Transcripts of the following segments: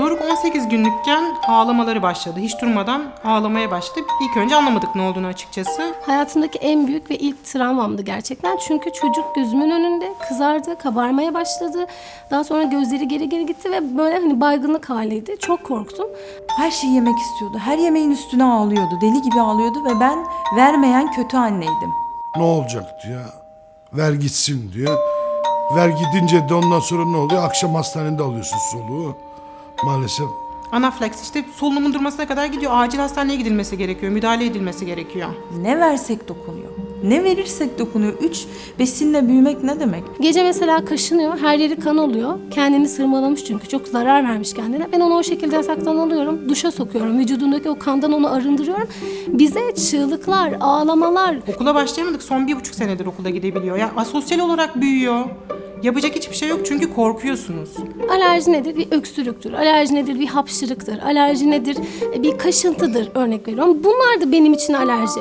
Doruk 18 günlükken ağlamaları başladı. Hiç durmadan ağlamaya başladı. İlk önce anlamadık ne olduğunu açıkçası. Hayatımdaki en büyük ve ilk travmamdı gerçekten. Çünkü çocuk gözümün önünde kızardı, kabarmaya başladı. Daha sonra gözleri geri geri gitti ve böyle hani baygınlık haliydi. Çok korktum. Her şeyi yemek istiyordu. Her yemeğin üstüne ağlıyordu. Deli gibi ağlıyordu ve ben vermeyen kötü anneydim. Ne olacak diyor. Ver gitsin diyor. Ver gidince de ondan sonra ne oluyor? Akşam hastanede alıyorsun soluğu. Maalesef. Anaflaks işte solunumun durmasına kadar gidiyor. Acil hastaneye gidilmesi gerekiyor. Müdahale edilmesi gerekiyor. Ne versek dokunuyor. Ne verirsek dokunuyor. 3 besinle büyümek ne demek? Gece mesela kaşınıyor, her yeri kan oluyor. Kendini sırmalamış çünkü çok zarar vermiş kendine. Ben onu o şekilde yataktan alıyorum, duşa sokuyorum. Vücudundaki o kandan onu arındırıyorum. Bize çığlıklar, ağlamalar. Okula başlayamadık. Son 1,5 senedir okula gidebiliyor. Ya asosyal olarak büyüyor. Yapacak hiçbir şey yok çünkü korkuyorsunuz. Alerji nedir? Bir öksürüktür. Alerji nedir? Bir hapşırıktır. Alerji nedir? Bir kaşıntıdır örnek veriyorum. Bunlar da benim için alerji.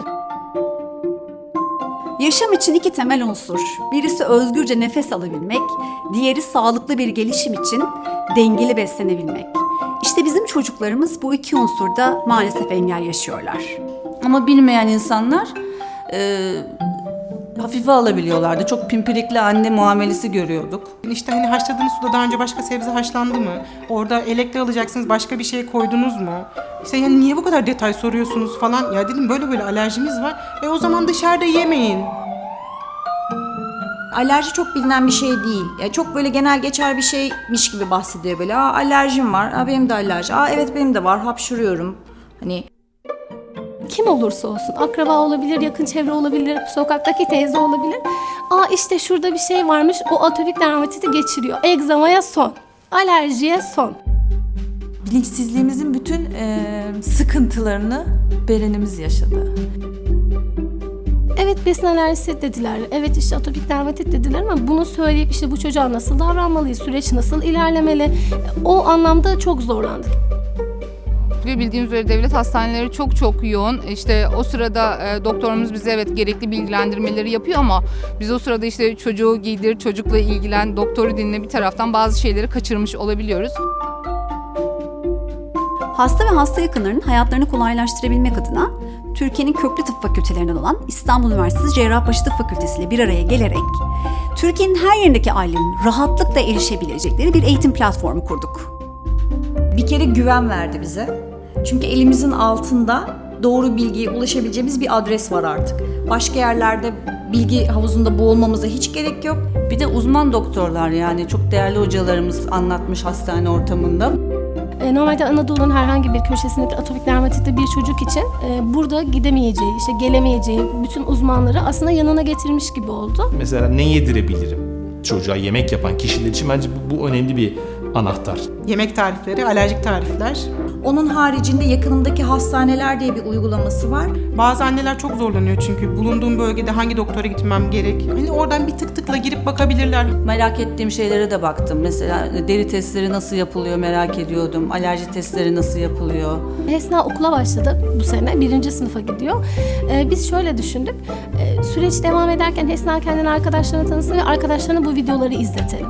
Yaşam için iki temel unsur. Birisi özgürce nefes alabilmek, diğeri sağlıklı bir gelişim için dengeli beslenebilmek. İşte bizim çocuklarımız bu iki unsurda maalesef engel yaşıyorlar. Ama bilmeyen insanlar hafife alabiliyorlardı. Çok pimpirikli anne muamelesi görüyorduk. İşte hani haşladığınız suda daha önce başka sebze haşlandı mı? Orada elekle alacaksınız, başka bir şey koydunuz mu? İşte yani niye bu kadar detay soruyorsunuz falan. Ya dedim böyle alerjimiz var. O zaman dışarıda yemeyin. Alerji çok bilinen bir şey değil. Yani çok böyle genel geçer bir şeymiş gibi bahsediyor böyle. Alerjim var. Benim de alerji. Evet benim de var. Hapşuruyorum. Hani Kim olursa olsun, akraba olabilir, yakın çevre olabilir, sokaktaki teyze olabilir. İşte şurada bir şey varmış, o atopik dermatiti geçiriyor. Egzamaya son, alerjiye son. Bilinçsizliğimizin bütün sıkıntılarını Beren'imiz yaşadı. Evet besin alerjisi dediler, evet işte atopik dermatit dediler ama bunu söyleyip işte bu çocuğa nasıl davranmalıyız, süreç nasıl ilerlemeli, o anlamda çok zorlandık. Ve bildiğiniz üzere devlet hastaneleri çok yoğun. İşte o sırada doktorumuz bize evet gerekli bilgilendirmeleri yapıyor ama biz o sırada işte çocuğu giydir, çocukla ilgilen, doktoru dinle bir taraftan bazı şeyleri kaçırmış olabiliyoruz. Hasta ve hasta yakınlarının hayatlarını kolaylaştırabilmek adına Türkiye'nin köklü tıp fakültelerinden olan İstanbul Üniversitesi Cerrahpaşa Tıp Fakültesi ile bir araya gelerek Türkiye'nin her yerindeki ailenin rahatlıkla erişebilecekleri bir eğitim platformu kurduk. bir kere güven verdi bize. Çünkü elimizin altında doğru bilgiye ulaşabileceğimiz bir adres var artık. Başka yerlerde bilgi havuzunda boğulmamıza hiç gerek yok. Bir de uzman doktorlar yani çok değerli hocalarımız anlatmış hastane ortamında. Normalde Anadolu'nun herhangi bir köşesindeki atopik dermatitli bir çocuk için burada gidemeyeceği, işte gelemeyeceği bütün uzmanları aslında yanına getirmiş gibi oldu. Mesela ne yedirebilirim? Çocuğa yemek yapan kişiler için bence bu önemli bir anahtar. Yemek tarifleri, alerjik tarifler. Onun haricinde yakınımdaki hastaneler diye bir uygulaması var. Bazı anneler çok zorlanıyor çünkü bulunduğum bölgede hangi doktora gitmem gerek. Hani oradan bir tıkla girip bakabilirler. Merak ettiğim şeylere de baktım. Mesela deri testleri nasıl yapılıyor merak ediyordum. Alerji testleri nasıl yapılıyor? Hesna okula başladı bu sene, 1. sınıfa gidiyor. Biz şöyle düşündük, süreç devam ederken Hesna kendini arkadaşlarına tanısın ve arkadaşlarına bu videoları izletelim.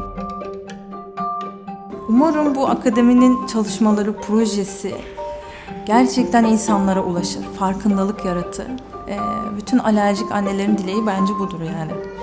Umarım bu akademinin çalışmaları, projesi gerçekten insanlara ulaşır, farkındalık yaratır. Bütün alerjik annelerin dileği bence budur yani.